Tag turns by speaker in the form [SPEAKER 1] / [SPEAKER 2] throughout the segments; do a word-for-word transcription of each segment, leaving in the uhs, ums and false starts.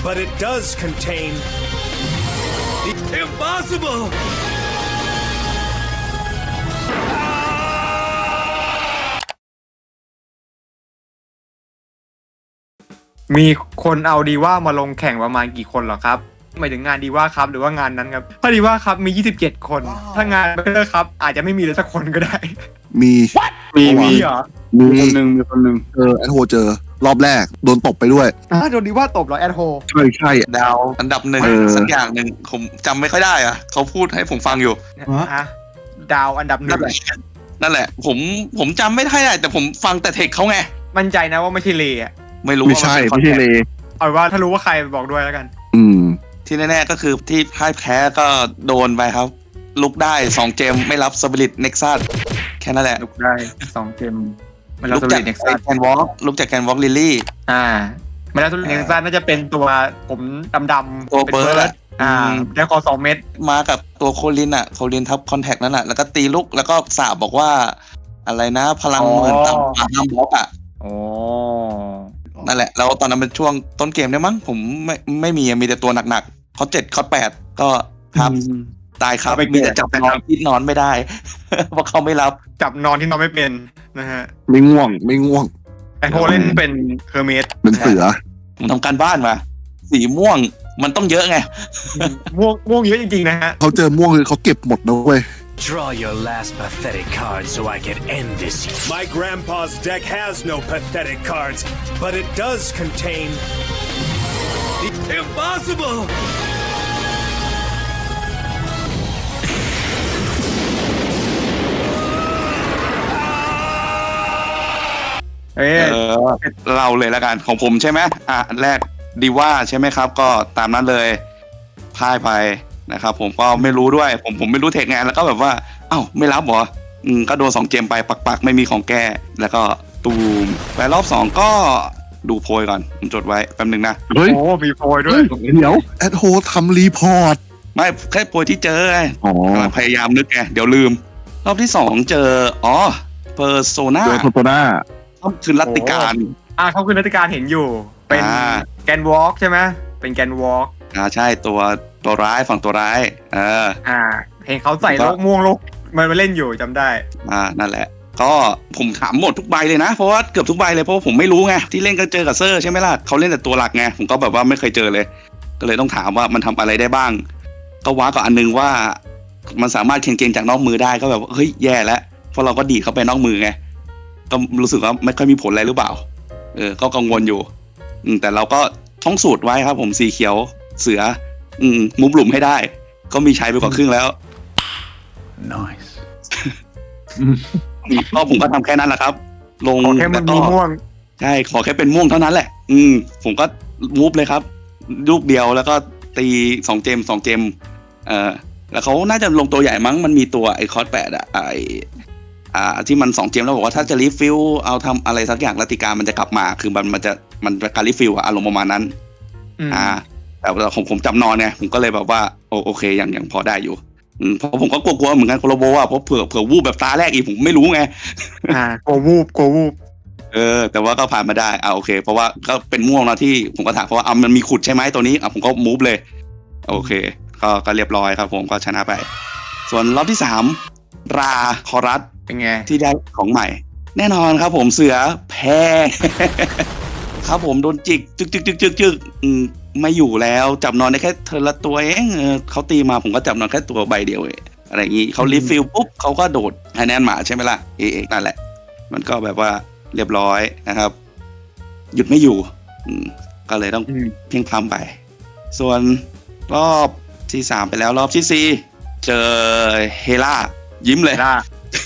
[SPEAKER 1] but it does contain the impossible.
[SPEAKER 2] มีคนเอาดีว่ามาลงแข่งประมาณกี่คนเหรอครับหมายถึงงานดีว่าครับหรือว่างานนั้นครับถ้าดีว่าครับมียี่สิบเจ็ดคนถ้างานเบเตอร์ครับอาจจะไม่มีเลยสักคนก็ได้
[SPEAKER 3] มี
[SPEAKER 4] มี
[SPEAKER 2] มี
[SPEAKER 4] มี
[SPEAKER 2] เหรอ
[SPEAKER 4] มีคนหนึ่งมีคนหนึ่ง
[SPEAKER 3] เออแอดโฮเจอรอบแรกโดนตบไปด้วย
[SPEAKER 2] อ่าโดนดีว่าตบเหรอแอดโฮ
[SPEAKER 3] ใช่ใช่
[SPEAKER 5] ดาวอันดับหนึ่ง
[SPEAKER 3] เออ
[SPEAKER 5] สักอย่างหนึ่งผมจำไม่ค่อยได้อะเขาพูดให้ผมฟังอยู่
[SPEAKER 2] ฮะดาวอันดับหนึ่
[SPEAKER 5] นั่
[SPEAKER 2] ง
[SPEAKER 5] นแหละนั่นแหละ ผมผมจำไม่ได้แต่ผมฟังแต่เทคเขาไง
[SPEAKER 2] มั่นใจนะว่าไม่ใช่เลอ่ะ
[SPEAKER 5] ไม่รู้
[SPEAKER 3] ไม่
[SPEAKER 5] ว่า
[SPEAKER 3] ใช่
[SPEAKER 5] มัน
[SPEAKER 3] ไม่
[SPEAKER 5] เป็น
[SPEAKER 3] ใช่เล
[SPEAKER 2] เอาว่าถ้ารู้ว่าใครบอกด้วยแล้วกัน
[SPEAKER 3] อืม
[SPEAKER 5] ที่แน่ๆก็คือที่พ่ายแพ้ก็โดนไปครับ ลุกได้สองเจมไม่รับสปิริตเน็กซัสแค่นั้นแหละ
[SPEAKER 4] ลุกได้สองเกม
[SPEAKER 2] มันเรา
[SPEAKER 5] ลุก
[SPEAKER 2] ตัว
[SPEAKER 5] จาก
[SPEAKER 2] เน็กซัส
[SPEAKER 5] แกนวอล์กลุกจากแกนวอล์กลิลลี่
[SPEAKER 2] อ่ามันแล้วตัวเน็กซัสน่าจะเป็นตัวผมดำๆ
[SPEAKER 5] ตัว
[SPEAKER 2] ป็น
[SPEAKER 5] เบิร์ดอะ
[SPEAKER 2] อ่า
[SPEAKER 5] อืม
[SPEAKER 2] แล้วคอสองเม็ด
[SPEAKER 5] มากับตัวโคลินอ่ะโคลินทับคอนแทคนั่นแหละแล้วก็ตีลุกแล้วก็สาบบอกว่า อะไรนะพลังเหมือนตามห้ามบล็อกอ่ะ
[SPEAKER 2] โอ้
[SPEAKER 5] นั่นแหละแล้วตอนนั้นเป็นช่วงต้นเกมเนี่ยมั้งผมไม่ไม่มีมีแต่ตัวหนักๆคอเจ็ดคอแปดก็ครับตายครับมีแต่จับนอนที่นอนไม่ได้ เพราะเขาไม่รับ
[SPEAKER 2] จับนอนที่นอนไม่เป็นนะฮะ
[SPEAKER 3] ไม่ง่วงไม่ง่วง
[SPEAKER 2] แอดโฮเล่นเป็นเฮอร์เมส
[SPEAKER 3] เป็นเสือ
[SPEAKER 5] ผมทำการบ้านมา สีม่วงมันต้องเยอะไง
[SPEAKER 2] ม่วงม่วงเยอะจริงๆนะฮะ
[SPEAKER 3] เขาเจอม่วงคือเขาเก็บหมดนะเว้ย
[SPEAKER 1] Draw your last pathetic card so I can end this. My grandpa's deck has no pathetic cards, but it does contain the impossible.
[SPEAKER 2] เอ้ย
[SPEAKER 5] เออเราเลยแล้วกันของผมใช่ไหมอ่ะอันแรกดีว่าใช่ไหมครับ ก็ตามนั้นเลยพ่ายไปนะครับผมก็ไม่รู้ด้วย ผมผมไม่รู้เทคงานแล้วก็แบบว่าเอ้าไม่รับเหรออืมก็โดนสองเกมไปปักๆไม่มีของแก้แล้วก็ตูมไปรอบสองก็ดูโพยก่อนผมจดไว้แป๊บนึงนะ
[SPEAKER 3] เฮ้ย
[SPEAKER 2] โอ้มีโพยด้
[SPEAKER 3] เฮ้
[SPEAKER 2] วย
[SPEAKER 3] ยเดี๋ยวแอดโฮทำรีพอร์ต
[SPEAKER 5] ไม่แค่โพยที่เจอไง
[SPEAKER 3] อ๋อก
[SPEAKER 5] ำลังพยายามนึกไงเดี๋ยวลืม รอบที่สองเจออ๋อเพอร์โซนา
[SPEAKER 3] เจอโทโตนา
[SPEAKER 5] คือรัตติการ
[SPEAKER 2] อ่าเขาคือรัฐการเห็นอยู่ เป็น
[SPEAKER 5] อ่า
[SPEAKER 2] แกนวอล์กใช่ไหมเป็นแกนวอล์ก
[SPEAKER 5] อ่าใช่ตัวตัวร้ายฝั่งตัวร้ายเออ
[SPEAKER 2] อ่า เห็นเขาใส่
[SPEAKER 5] ก็
[SPEAKER 2] โลกม่วงโลกมันมาเล่นอยู่จำได้
[SPEAKER 5] อ่านั่นแหละ ก็ผมถามหมดทุกใบเลยนะ เพราะว่าเกือบทุกใบเลยเพราะว่าผมไม่รู้ไงที่เล่นก็เจอกับเซอร์ใช่ไหมล่ะเขาเล่นแต่ตัวหลักไงผมก็แบบว่าไม่เคยเจอเลย ก็เลยต้องถามว่ามันทำอะไรได้บ้าง ก็ว้ากับอันนึงว่า มันสามารถเคนเกงจากนอกมือได้ก็แบบว่าเฮ้ยแย่แล้วเพราะเราก็ดีดเข้าไปนอกมือไงก็รู้สึกว่าไม่ค่อยมีผลอะไรหรือเปล่าเออก็กังวลอยู่อืมแต่เราก็ท่องสูตรไว้ครับ ผมสีเขียวเสือ อืมมุบหลุมให้ได้ ก็มีใช้ไปกว่าครึ่งแล้ว
[SPEAKER 4] nice
[SPEAKER 5] ก็ผมก็ทำแค่นั้นแหละครับ ลง
[SPEAKER 2] ขอแค่มัน
[SPEAKER 5] ล้วก็
[SPEAKER 2] มีม่วง
[SPEAKER 5] ใช่ขอแค่เป็นม่วงเท่านั้นแหละ อืมผมก็มูฟเลยครับ ลูกเดียวแล้วก็ตีสองเจมสองเจมเอ่อแล้วเขาน่าจะลงตัวใหญ่มั้งมันมีตัวไอคอร์ดแปดอะไออ่าที่มันสองเจมแล้วบอกว่าถ้าจะรีฟิลเอาทำอะไรสักอย่างรัติการมันจะกลับมา คือมันมันจะมันจะการรีฟิลอะอารมณ์ประมาณนั้น
[SPEAKER 2] อืม
[SPEAKER 5] อ่า แต่ว่าผมผมจำนอนไงผมก็เลยแบบว่าโอโอเคยังยังพอได้อยู่อืมเพราะผมก็กลัวๆเหมือนกันโคโลโบอ่ะเพราะเผื่อเผื่อวูบแบบตาแรกอีกผมไม่รู้ไง
[SPEAKER 2] อ่าโกวูบโกวูบ
[SPEAKER 5] เออแต่ว่าก็ผ่านมาได้อ่าโอเค เพราะว่าก็เป็นม่วงแล้วที่ผมก็ถามเพราะว่าอ่ะมันมีขุดใช่ไหมตัวนี้อ่ะผมก็มูฟเลยโอเคก็ก็เรียบร้อยครับ ผมก็ชนะไป ส่วนรอบที่สามราคอรัส
[SPEAKER 2] เป็นไง
[SPEAKER 5] ที่ได้ของใหม่ แน่นอนครับ ผมเสือแพ้ ครับผมโดนจิกจึกจึกจึกจึกจึกอืมไม่อยู่แล้วจับนอนได้แค่เธอละตัวเองเออเขาตีมาผมก็จับนอนแค่ตัวใบเดียวเองอะไรอย่างงี้เขารีฟิลปุ๊บเขาก็โดดให้แนนหมาใช่ไหมล่ะเอกนั่นแหละ มันก็แบบว่าเรียบร้อยนะครับ หยุดไม่อยู่ อืมก็เลยต้อง
[SPEAKER 2] อืม
[SPEAKER 5] เพียงพล้ำไป ส่วนรอบที่สามไปแล้วรอบที่สี่เจอเฮล่ายิ้มเลย
[SPEAKER 2] ล่า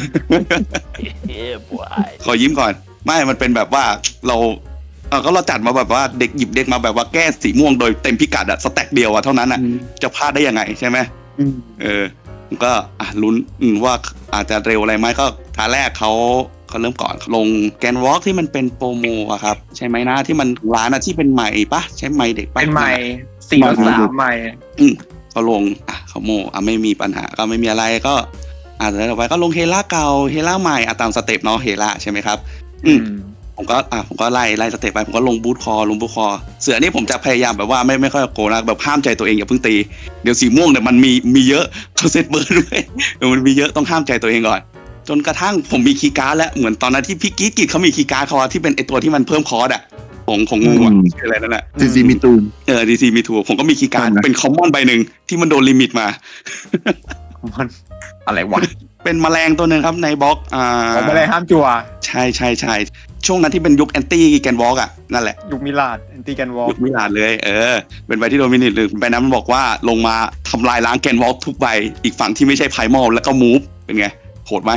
[SPEAKER 5] ขอยิ้มก่อน ไม่มันเป็นแบบว่าเราเออก็เราจัดมาแบบว่าเด็กหยิบเด็กมาแบบว่าแก้สีม่วงโดยเต็มพิกัดอะสแต็กเดียวอะเท่านั้นอะจะพลาดได้ยังไงใช่ไหม
[SPEAKER 2] อืม
[SPEAKER 5] เออผมก็อ่ะลุ้นอืมว่าอาจจะเร็วอะไรไหมก็ท่าแรกเขาเขาเริ่มก่อนลงแกนวอล์กที่มันเป็นโปรโมอะครับ ใช่ไหมนะที่มันร้านอะที่เป็นใหม่ปะใช่ไหมเด็กปะ
[SPEAKER 2] เป็นใหม่สี่ต่อสามใหม่
[SPEAKER 5] อืมเขาลงอ่ะเขาโมอ่ะไม่มีปัญหาก็ไม่มีอะไรก็อาจจะต่อไปก็ลงเฮล่าเก่าเฮล่าใหม่อ่ะตามสเต็ปเนาะเฮล่าใช่ไหมครับ อืมผมก็อ่ะผมก็ไล่ไล่สเต็ปไปผมก็ลงบูทคอลงบูทคอเสือนี่ผมจะพยายามแบบว่าไม่ไม่ค่อยโกงนะแบบห้ามใจตัวเองอย่าเพิ่งตีเดี๋ยวสีม่วงเนี่ยมันมีมีเยอะเขาเซตเบิร์ดด้วยมันมีเยอะต้องห้ามใจตัวเองก่อนจนกระทั่งผมมีคีย์การ์ดแล้วเหมือนตอนนั้นที่พี่กิ๊กกิจเขามีคีย์การ์ดเขาที่เป็นไอตัวที่มันเพิ่มคอร์ดอะของของงูอะชื่ออะไรนั่นแหละ
[SPEAKER 3] ซีซีมีตูน
[SPEAKER 5] เออดีซีมีทูผมก็มีคีย์การ์ดเป็นคอมมอนใบหนึ่งที่มันโดนลิมิตมา
[SPEAKER 2] มันอะไรวะ
[SPEAKER 5] เป็นแมลงตัวหนึ่งครับในบล็อกอ่า
[SPEAKER 2] ผมไม่ได้ห้ามจั่ว
[SPEAKER 5] ใช่ใช่ใช่ช่วงนั้นที่เป็นยุคแอนตี้แกนวอล์กอ่ะนั่นแหละ
[SPEAKER 2] ยุคมิลาดแอนตี้แกนวอล
[SPEAKER 5] ยุคมิลานเลยเออเป็นใบที่โดมินิตหรือใบนั้นมันบอกว่าลงมาทำลายล้างแกนวอล์กทุกใบอีกฝั่งที่ไม่ใช่ไพรมอลแล้วก็มูฟเป็นไงโหดไหม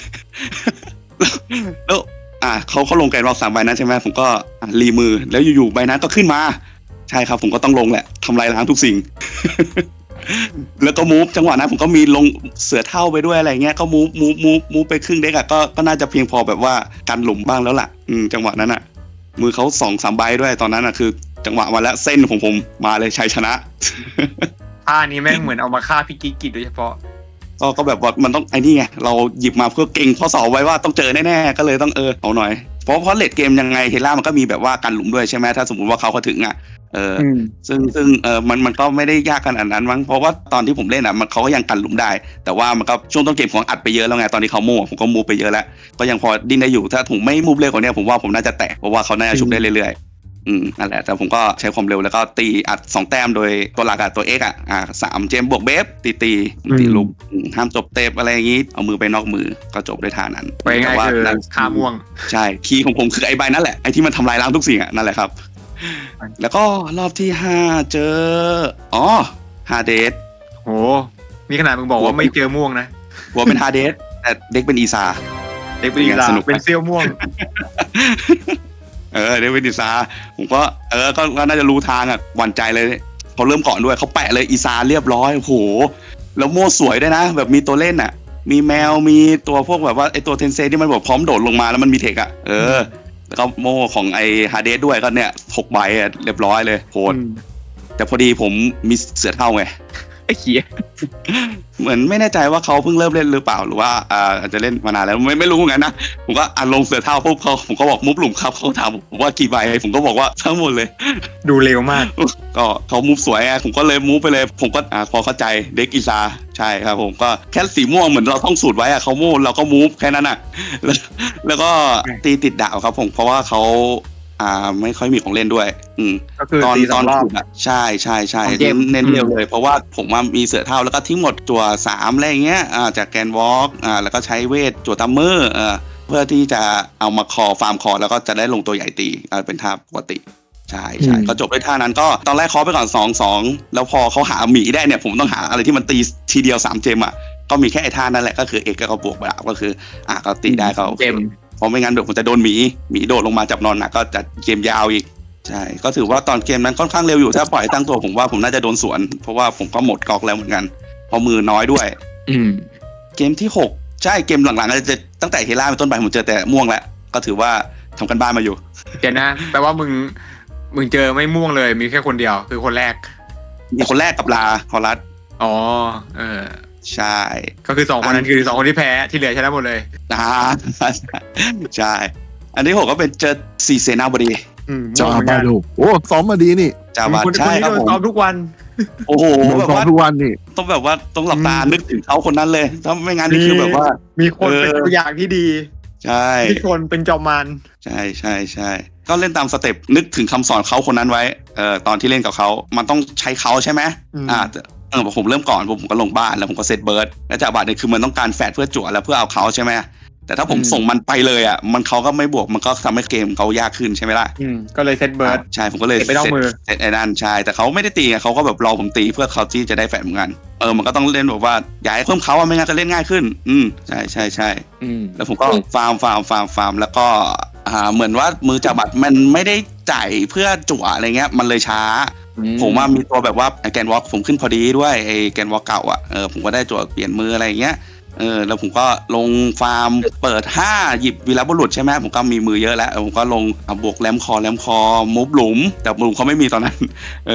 [SPEAKER 5] แล้วอ่าเขาเขาลงแกนวอล์กสามใบนั้นใช่ไหมผมก็รีมือแล้วอยู่ๆใบนั้นก็ขึ้นมาใช่ครับผมก็ต้องลงแหละทำลายล้างทุกสิ่ง แล้วก็มูฟจังหวะนั้นผมก็มีลงเสือเท่าไปด้วยอะไรเงี้ยก็มูฟมูฟมูฟมูฟไปครึ่งเด็กอะก็ก็น่าจะเพียงพอแบบว่ากันหลุมบ้างแล้วล่ะอืมจังหวะนั้นอะมือเขาสองสามใบด้วยตอนนั้นอะคือจังหวะมาแล้วเส้นของผมมาเลยชัยชนะ
[SPEAKER 2] ท่านี้แม่งเหมือนเอามาฆ่าพี่กิ๊กกิจโดยเฉพาะ
[SPEAKER 5] ก็ก็แบบว่ามันต้องไอ้นี่ไงเราหยิบมาเพื่อเก่งข้อสอบไว้ว่าต้องเจอแน่ๆก็เลยต้องเออเอาหน่อยเพราะเพราะเลดเกมยังไงเฮล่ามันก็มีแบบว่ากันหลุมด้วยใช่ไหมถ้าสมมติว่าเขาเขาถึงอ่ะเออซึ่งซึ่งเออมันมันก็ไม่ได้ยากขนาดนั้นมั้งเพราะว่าตอนที่ผมเล่นอ่ะมันเขาก็ยังกันหลุมได้แต่ว่ามันก็ช่วงต้นเกมของอัดไปเยอะแล้วไงตอนที่เขาโม่ผมก็มูฟไปเยอะแล้วก็ยังพอดิ้นได้อยู่ถ้าผมไม่มูฟเร็วกว่านี้ผมว่าผมน่าจะแตกเพราะว่าเขาน่าจะชุบได้เรื่อยๆอืมนั่นแหละแต่ผมก็ใช้ความเร็วแล้วก็ตีอัดสองแต้มโดยตัวหลักอะตัว X อ่ะอ่าสามเจมบวกเบฟตีตีตีลุกห้ามจบเตปอะไรอย่างงี้เอามือไปนอกมือก็จบด้วยท่านั้น
[SPEAKER 2] ไปง่ายคือฆ่าม่วง
[SPEAKER 5] ใช่คีย์ของผมคือไอ้ใบนั่นแหละไอ้ที่มันทำลายล้างทุกสิ่งอ่ะนั่นแหละครับแล้วก็รอบที่ห้าเจออ๋อฮาเดส
[SPEAKER 2] โหนี่ขนาดมึงบอกว่าไม่เจอม่วงนะ
[SPEAKER 5] หัวเป็นฮาเดสแต่เด็กเป็นอีซา
[SPEAKER 2] เด็กเป็นอีซาเป็นเซียวม่วง
[SPEAKER 5] เออเด็กเป็นอีซาผมก็เออก็น่าจะรู้ทางอ่ะหวั่นใจเลยเขาเริ่มก่อนด้วยเขาแปะเลยอีซาเรียบร้อยโอ้โหแล้วโม่สวยด้วยนะแบบมีตัวเล่นอ่ะมีแมวมีตัวพวกแบบว่าไอตัวเทนเซที่มันแบบพร้อมโดดลงมาแล้วมันมีเทคอ่ะเออแล้วก็โม่ของไอฮาเดสด้วยก็เนี่ยหกใบอ่ะเรียบร้อยเลยโหดแต่พอดีผมมีเสือเท่าไง
[SPEAKER 2] ไอ้เหี้ย
[SPEAKER 5] เหมือนไม่แน่ใจว่าเขาเพิ่งเริ่มเล่นหรือเปล่าหรือว่าอ่าอาจจะเล่นมานานแล้วไม่ไม่รู้เหมือนกันนะผมก็อ่านลงเสือเท่าปุ๊บเขาผมก็บอกมุฟหลุมครับเขาถามผมว่ากี่ใบผมก็บอกว่าทั้งหมดเลย
[SPEAKER 2] ดูเร็วมาก
[SPEAKER 5] ก็เขามุฟสวยไงผมก็เลยมุฟไปเลยผมก็อ่าพอเข้าใจเด็กอีซาใช่ครับผมก็แค่สีม่วงเหมือนเราท่องสูตรไว้อะเขาโม่เราก็มุฟแค่นั้นอะแล้วแล้วก็ตีติดดาวครับผมเพราะว่าเขาอ่าไม่ค่อยมีของเล่นด้วยอืมตอนตอนขุดอ่ะใช่ใช่ใช่เน้นเน้นเร็วเลยเพราะว่าผมว่ามีเสือเท่าแล้วก็ทิ้งหมดจั่วสามอะไรเงี้ยอ่าจากแกนวอล์กอ่าแล้วก็ใช้เวทจั่วทัมเมอร์เอ่อเพื่อที่จะเอามาคอฟาร์มคอแล้วก็จะได้ลงตัวใหญ่ตีอ่าเป็นท่าปกติใช่ใช่ก็จบด้วยท่านั้นก็ตอนแรกเคาะไปก่อนสองสองแล้วพอเขาหาหมีได้เนี่ยผมต้องหาอะไรที่มันตีทีเดียวสามเจมอ่ะก็มีแค่ไอ้ท่านั่นแหละก็คือเอกก็บวกไปก็คืออ่าก็ตีได้ก็เจมเพราะไม่งั้นเดี๋ยวผมจะโดนหมีหมีโดดลงมาจับนอนหนักก็จะเกมยาวอีกใช่ก็ถือว่าตอนเกมนั้นค่อนข้างเร็วอยู่ถ้าปล่อยตั้งตัวผมว่าผมน่าจะโดนสวนเพราะว่าผมก็หมดก๊อกแล้วเหมือนกันเพราะมือน้อยด้วย
[SPEAKER 2] อืม
[SPEAKER 5] เกมที่หกใช่เกมหลังๆก็จะตั้งแต่เฮล่าเป็นต้นไปผมเจอแต่ม่วงแล้วก็ถือว่าทำกันบ้านมาอยู่
[SPEAKER 2] เดี๋ยวนะแปลว่ามึงมึงเจอไม่ม่วงเลยมีแค่คนเดียวคือคนแรก
[SPEAKER 5] มีคนแรกกับลาคอรัส
[SPEAKER 2] อ๋อเออ
[SPEAKER 5] ใช่
[SPEAKER 2] ก็คือสองคนนั้นคือสองคนที่แพ้ที่เหลือชนะหมดเลย
[SPEAKER 5] อ่าใช่อันที่หกก็เป็นเจอซีเซนาบดี
[SPEAKER 3] จาบาดูโอ้ซ้อมมาดีนี่
[SPEAKER 2] จาบาใช่ครับผมซ้อมทุกวัน
[SPEAKER 5] โอ้โห
[SPEAKER 3] แบบว่าทุกวันนี่
[SPEAKER 5] ต้องแบบว่าต้องหลับตานึกถึงเขาคนนั้นเลยถ้าไม่งั้นนี่คือแบบว่า
[SPEAKER 2] มีคนเป็นตัวอย่างที่ดี
[SPEAKER 5] ใช่
[SPEAKER 2] มีคนเป็นจอมมาร
[SPEAKER 5] ใช่ใช่ใช่ก็เล่นตามสเต็ปนึกถึงคำสอนเขาคนนั้นไว้เอ่อตอนที่เล่นกับเขามันต้องใช้เขาใช่ไหมอ่าเออผมเริ่มก่อนผมก็ลงบ้านแล้วผมก็เซตเบิร์ดแล้วจากบาทเนี่ยคือมันต้องการแฟดเพื่อจั่วแล้วเพื่อเอาเขาใช่ไหมแต่ถ้าผมส่งมันไปเลยอ่ะมันเขาก็ไม่บวกมันก็ทำให้เกมเขายากขึ้นใช่ไหมล่ะ
[SPEAKER 2] ก็เลยเซตเบิร์ด
[SPEAKER 5] ใช่ผมก็เลยเซตเซตไอ้นั่นใช่แต่เขาไม่ได้ตีไงเขาก็แบบรอผมตีเพื่อเขาที่จะได้แฟดเหมือนกันเออมันก็ต้องเล่นแบบว่าย้ายเพิ่มเขาไม่งั้นจะเล่นง่ายขึ้นอืมใช่ใช่ใช่แล้วผมก็ฟาร์มฟาร์มฟาร์มฟาร์มแล้วก็อ่าเหมือนว่ามือจับบัตรมันไม่ได้จ่ายเพื่อจั่วอะไรเงี้ยมันเลยช้าผมว่ามีตัวแบบว่าไอแกนวอล์กผมขึ้นพอดีด้วยไอแกนวอล์กเก่าอ่ะเออผมก็ได้จั่วเปลี่ยนมืออะไรเงี้ยเออแล้วผมก็ลงฟาร์มเปิดห้าหยิบวีรบุรุษใช่ไหมผมก็มีมือเยอะแล้วผมก็ลงบวกแรมคอแรมคอมุฟหลุมแต่หลุมเขาไม่มีตอนนั้นเออ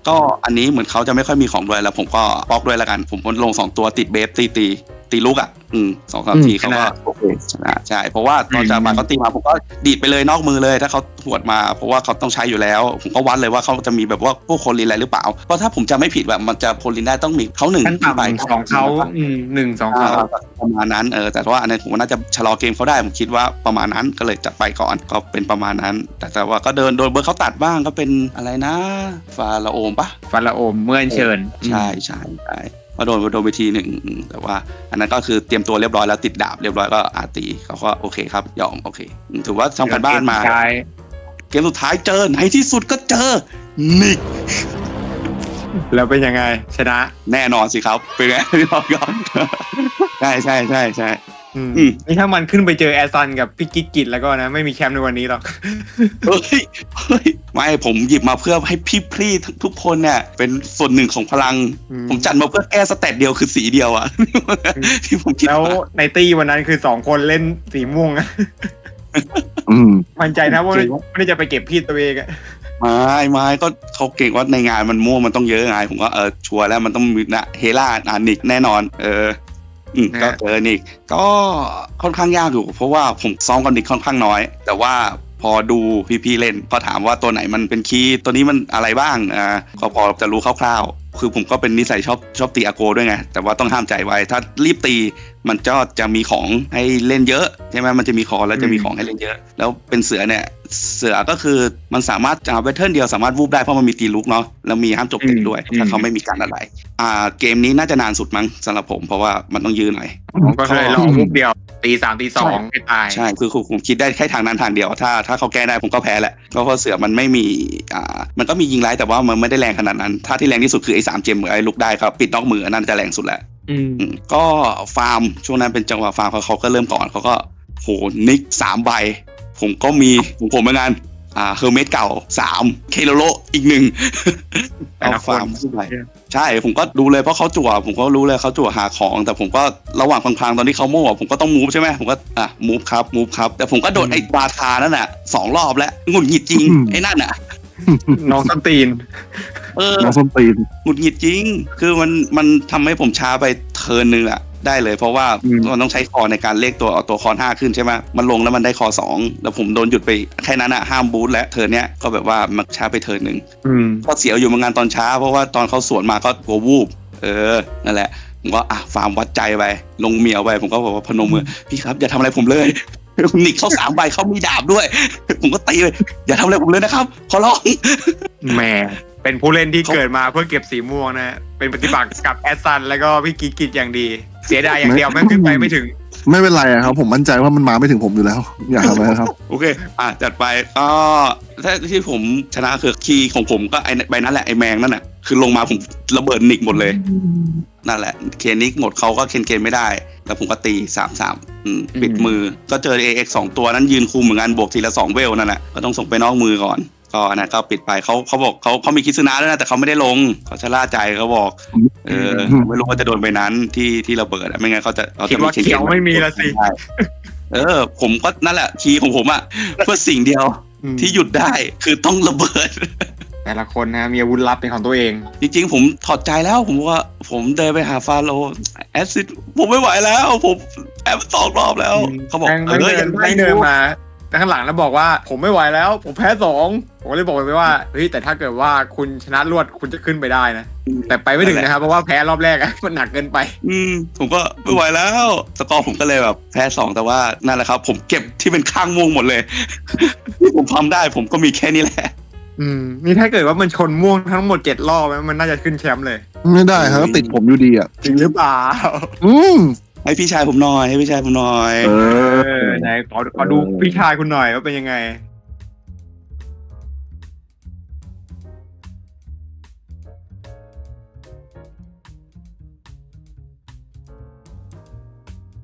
[SPEAKER 5] ก็อันนี้เหมือนเขาจะไม่ค่อยมีของด้วยแล้วผมก็บล็อกด้วยแล้วกันผมลงสองตัวติดเบฟตีตีตีลูกอ่ะอืมสองสามทีเขาก็โอเคชนะใช่เพราะว่าตอนจะมาเขาตีมาผมก็ดีดไปเลยนอกมือเลยถ้าเขาหวดมาเพราะว่าเขาต้องใช้อยู่แล้วผมก็วัดเลยว่าเขาจะมีแบบว่าพวกโคลินอะไรหรือเปล่าเพราะถ้าผมจะไม่ผิดแบบมันจะโคลินได้ต้องมีเขาหนึ่ง
[SPEAKER 2] ขั้นต่ำสองเขาอืมหนึ่งสองเขา
[SPEAKER 5] ประมาณนั้นเออแต่ว่าอันนั้นผมว่าน่าจะชะลอเกมเขาได้ผมคิดว่าประมาณนั้นก็เลยจัดไปก่อนก็เป็นประมาณนั้น แต่แต่ว่าก็เดินโดนเบอร์เขาตัดบ้างก็เป็นอะไรนะฟาราโอมปะ
[SPEAKER 2] ฟาราโอมเมื่อเชิญ
[SPEAKER 5] ใช่ใช่ใช่ก็โดนโดนไปทีหนึ่งแต่ว่าอันนั้นก็คือเตรียมตัวเรียบร้อยแล้วติดดาบเรียบร้อยก็อาตีเขาก็โอเคครับยอมโอเคถือว่าทำกันบ้านมาเกมสุดท้ายเจอในที่สุดก็เจอนิก
[SPEAKER 2] แล้วเป็นยังไงชนะ
[SPEAKER 5] แน่นอนสิครับเป็นไงพี่บอกก่อนใช่ใช่ใช่ใช่
[SPEAKER 2] นี่ถ้ามันขึ้นไปเจอแอซันกับพี่กิ๊กกิจแล้วก็นะไม่มีแคมป์ในวันนี้หรอก
[SPEAKER 5] เฮ้ยเฮ้ยไม่ผมหยิบมาเพื่อให้พี่พรี่ทุกคนเนี่ยเป็นส่วนหนึ่งของพลังผมจัดมาเพื่อแก้สเตตเดียวคือสีเดียวอะที่ผมคิด
[SPEAKER 2] แล้วในตี้วันนั้นคือสองคนเล่นสีม่วงอะมั่นใจนะว่าไม่ได้จะไปเก็บพี่ตัวเองอะ
[SPEAKER 5] ไม่ไม่ก็เขาเก่งว่าในงานมันม่วงมันต้องเยอะไงผมก็เออชัวร์แล้วมันต้องมีนะเฮล่าอานิกแน่นอนเอออืมก็เจอนิกก็ค่อนข้างยากอยู่เพราะว่าผมซ้อมกับนิกค่อนข้างน้อยแต่ว่าพอดูพี่ๆเล่นก็ถามว่าตัวไหนมันเป็นคีย์ตัวนี้มันอะไรบ้างอ่าก็พอจะรู้คร่าวๆคือผมก็เป็นนิสัยชอบชอบตีอาโกด้วยไงแต่ว่าต้องห้ามใจไว้ถ้ารีบตีมันก็จะมีของให้เล่นเยอะใช่ไหมมันจะมีคอแล้วจะมีของให้เล่นเยอะแล้วเป็นเสือเนี่ยเสือก็คือมันสามารถจะเวทเทิร์นเดียวสามารถวูบได้เพราะมันมีตีลุกเนาะแล้วมีห้ามจบเตะด้วยถ้าเขาไม่มีการอะไรอ่าเกมนี้น่าจะนานสุดมั้งสำหรับผมเพราะว่ามันต้องยืนหน่อย
[SPEAKER 2] ผมก็เลยลองวูบเดียวตีสามตีสองไม่ตาย
[SPEAKER 5] ใช่คือผมคิดได้แค่ทางนั้นทางเดียวถ้าถ้าเขาแก้ได้ผมก็แพ้แหละเพราะว่าเสือมันไม่มีอ่ามันก็มียิงไล่แต่ว่ามันไม่ได้แรงขนาดนั้นถ้าที่แรงที่สุดคือไอ้สามเจมเหมือนไอ้ลุกได้ครับปิดนอกมือนั่นจะแรงสุดแหละก็ฟาร์มช่วงนั้นเป็นจังหวะฟาร์มเขาเขาก็เริ่มก่อนเขาก็โหนิกสามใบผมก็มีผมผมเหมือนกันอ่าเฮอร์เมสเก่าสามเคโลโลอีกหนึ่งเอาฟาร์มใช่ผมก็ดูเลยเพราะเขาจั่วผมก็รู้เลยเขาจั่วหาของแต่ผมก็ระหว่างพลางๆตอนที่เขาโม่ผมก็ต้องมูฟใช่ไหมผมก็อ่ะมูฟครับมูฟครับแต่ผมก็โดนไอ้บาคานั่นน่ะสองรอบแล้วหงุดหงิดจริงไอ้นั่นน่ะ
[SPEAKER 2] น้องส้นตีน
[SPEAKER 5] เออ
[SPEAKER 3] น้องส้นตีน
[SPEAKER 5] หงุดหงิดจริงคือมันมันทำให้ผมช้าไปเทิร์นนึงอะได้เลยเพราะว่ามันต้องใช้คอในการเลขตัวเอาตัวคอห้าขึ้นใช่ไหมมันลงแล้วมันได้คอสองแล้วผมโดนหยุดไปแค่นั้นอะห้ามบูทและเทิร์นเนี้ยก็แบบว่ามันช้าไปเทิร์นนึงก็เสียอยู่เหมือนกันตอนช้าเพราะว่าตอนเขาสวนมาก็หัววูบเออนั่นแหละผมก็อ่ะฟาร์มวัดใจไปลงเมียวไปผมก็บอกว่าพนมมือพี่ครับอย่าทำอะไรผมเลยนิกเขาสามใบเขามีดาบด้วยผมก็ตีเลยอย่าทำอะไรผมเลยนะครับขอร้อง
[SPEAKER 2] แหมเป็นผู้เล่นที่เกิดมาเพื่อเก็บสีม่วงนะเป็นปฏิบัติกับแอสซันแล้วก็พี่กิ๊กกิจอย่างดีเสียดายอย่างเดียวไม่ขึ้นไปไม่ถึง
[SPEAKER 3] ไม่เป็นไรครับผมมั่นใจว่ามันมาไม่ถึงผมอยู่แล้วอย่าทำอะไรครับ
[SPEAKER 5] โอเคอ่ะจัดไปก็ถ้าที่ผมชนะคือคีย์ของผมก็ไอ้ใบนั้นแหละไอ้แมงนั่นแหละคือลงมาผมระเบิดนิกหมดเลยนั่นแหละเคนนิกหมดเขาก็เคนเคนไม่ได้แล้วผมก็ตีสามสามปิดมือก็เจอ เอ เอ็กซ์ สองตัวนั้นยืนคุมเหมือนกันบวกทีละสองเวลนั่นแหละก็ต้องส่งไปนอกมือก่อนก็อันนั้นก็ปิดไปเขาเขาบอกเขาเขามีคิดซึนะด้วยนะแต่เขาไม่ได้ลงเขาชะล่าใจเขาบอกเออไม่รู้ว่าจะโดนไปนั้นที่ที่ระเบิดไม่งั้นเขาจะเขาจะ
[SPEAKER 2] ไม่เขียวไม่มีละสิ
[SPEAKER 5] เออผมก็นั่นแหละคีย์ของผมอะเพื่อสิ่งเดียวที่หยุดได้คือต้องระเบิด
[SPEAKER 2] แต่ละคนนะมีอาวุธลับเป็นของตัวเอง
[SPEAKER 5] จริงๆผมถอดใจแล้วผมว่าผมเดินไปหาฟาโรแอซิดผมไม่ไหวแล้วผมแอบสองรอบแล้วเขาบอก
[SPEAKER 2] เออยังไม่เดินมาข้างหลังแล้วบอกว่าผมไม่ไหวแล้วผมแพ้สองผมเลยบอกไปว่าเฮ้ยแต่ถ้าเกิดว่าคุณชนะรวดคุณจะขึ้นไปได้นะแต่ไปไม่ถึงนะครับเพราะว่าแพ้รอบแรกอะมันหนักเกินไป
[SPEAKER 5] อืมผมก็ไม่ไหวแล้วสกอร์ผมก็เลยแบบแพ้สองแต่ว่านั่นแหละครับผมเก็บที่เป็นข้างม่วงหมดเลยที่ผมทำได้ผมก็มีแค่นี้แหละ
[SPEAKER 2] อืมนี่ถ้าเกิดว่ามันชนม่วงทั้งหมดเจ็ดรอบมันน่าจะขึ้นแชมป์เลย
[SPEAKER 3] ไม่ได้ครับติดผมอยู่ดีอ่ะ
[SPEAKER 2] จริงหรือเปล่า
[SPEAKER 3] อืม
[SPEAKER 5] ให้พี่ชายผมหน่อยให้พี่ชายผมหน่อย
[SPEAKER 2] เออไหนขอขอดูพี่ชายคุณหน่อยว่าเป็นยังไง